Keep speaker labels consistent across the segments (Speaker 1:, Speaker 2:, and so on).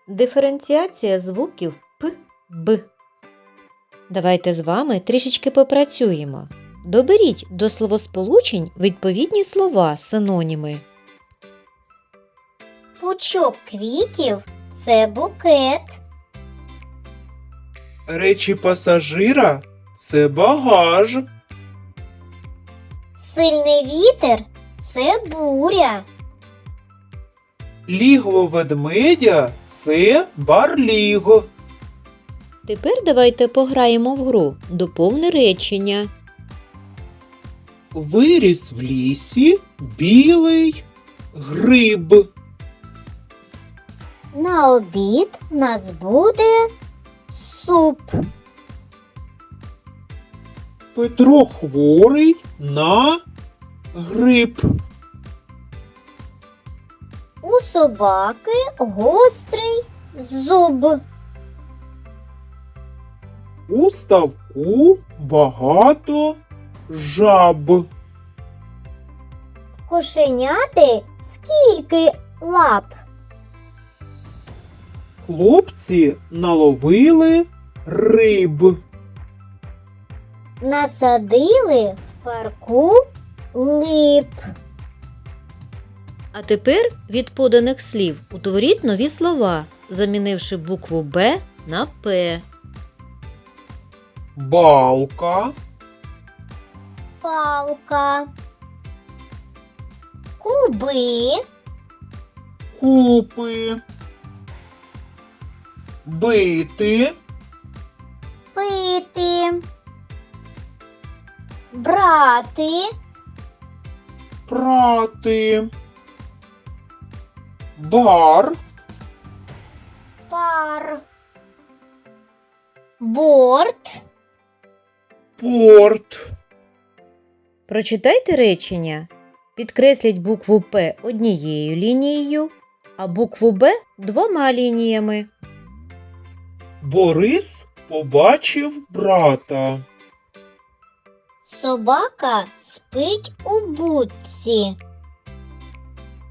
Speaker 1: Диференціація звуків П, Б. Давайте з вами трішечки попрацюємо. Доберіть до словосполучень відповідні слова, синоніми.
Speaker 2: Пучок квітів – це букет.
Speaker 3: Речі пасажира – це багаж.
Speaker 2: Сильний вітер – це буря.
Speaker 3: Лігво ведмедя – це барліго.
Speaker 1: Тепер давайте пограємо в гру «Доповни речення».
Speaker 3: Виріс в лісі білий гриб.
Speaker 2: На обід нас буде суп.
Speaker 3: Петро хворий на грип.
Speaker 2: У собаки гострий зуб.
Speaker 3: У ставку багато жаб.
Speaker 2: Кошеняти скільки лап?
Speaker 3: Хлопці наловили риб.
Speaker 2: Насадили в парку лип.
Speaker 1: А тепер від поданих слів утворіть нові слова, замінивши букву «Б» на «П».
Speaker 3: Балка,
Speaker 2: Палка. Куби.
Speaker 3: купи, бити,
Speaker 2: Пити. Брати.
Speaker 3: прати, бар,
Speaker 2: Пар. Борт.
Speaker 3: порт.
Speaker 1: Прочитайте речення. Підкресліть букву «П» однією лінією, а букву «Б» двома лініями.
Speaker 3: Борис побачив брата.
Speaker 2: Собака спить у будці.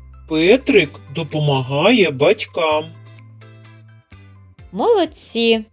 Speaker 3: Петрик допомагає батькам.
Speaker 1: Молодці!